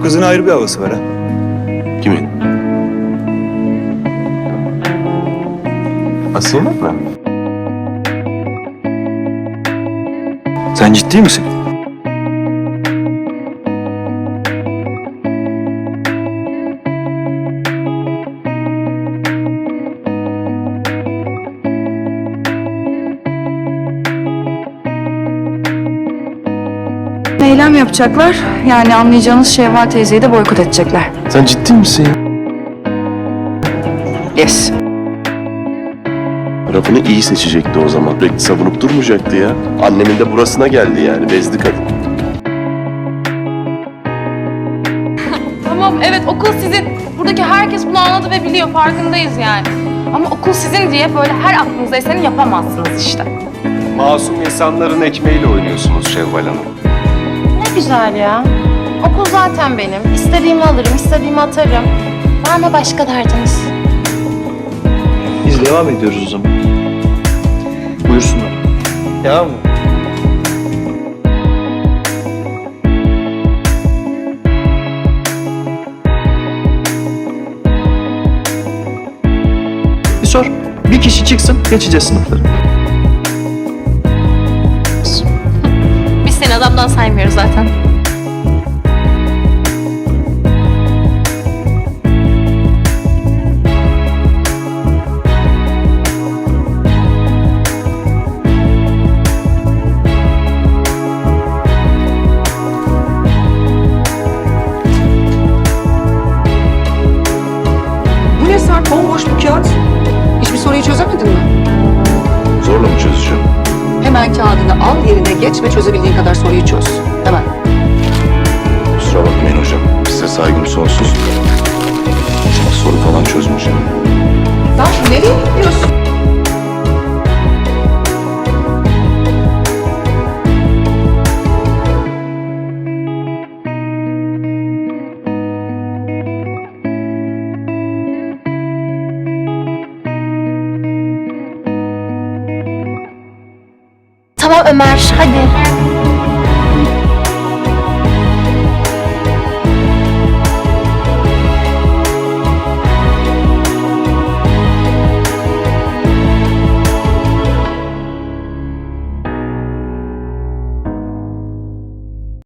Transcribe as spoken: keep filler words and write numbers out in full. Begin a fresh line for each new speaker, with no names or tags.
kızın ayrı bir havası var ha.
Kimin? Asiye'nin mi?
Sen ciddi misin?
Eylem yapacaklar. Yani anlayacağınız Şevval teyzeyi de boykot edecekler.
Sen ciddi misin ya?
Yes.
Rafını iyi seçecekti o zaman. Sürekli savunup durmayacaktı ya. Annemin de burasına geldi yani. Bezdi kadın.
Tamam, evet, okul sizin. Buradaki herkes bunu anladı ve biliyor, farkındayız yani. Ama okul sizin diye böyle her aklınıza eseni yapamazsınız işte.
Masum insanların ekmeğiyle oynuyorsunuz Şevval Hanım.
Ne güzel ya. Okul zaten benim. İstediğimi alırım, istediğimi atarım. Var mı başka derdiniz?
Biz devam ediyoruz o zaman. Buyursunlar. Devam mı?
Bir sor. Bir kişi çıksın, geçeceğiz sınıfları.
Biz seni adamdan saymıyoruz zaten.
Bu ne Sarp? Bomboş bir kağıt. Hiçbir soruyu çözemedin mi?
Zorla mı çözeceğim?
Hemen kağıdını al, yerine geç ve çözebildiğin kadar soruyu çöz. Hemen.
Kusura bakmayın hocam. Size saygım sonsuz. Ama soru falan çözmeyeceğim.
Sarp nereye gidiyorsun?
Tamam Ömer, hadi.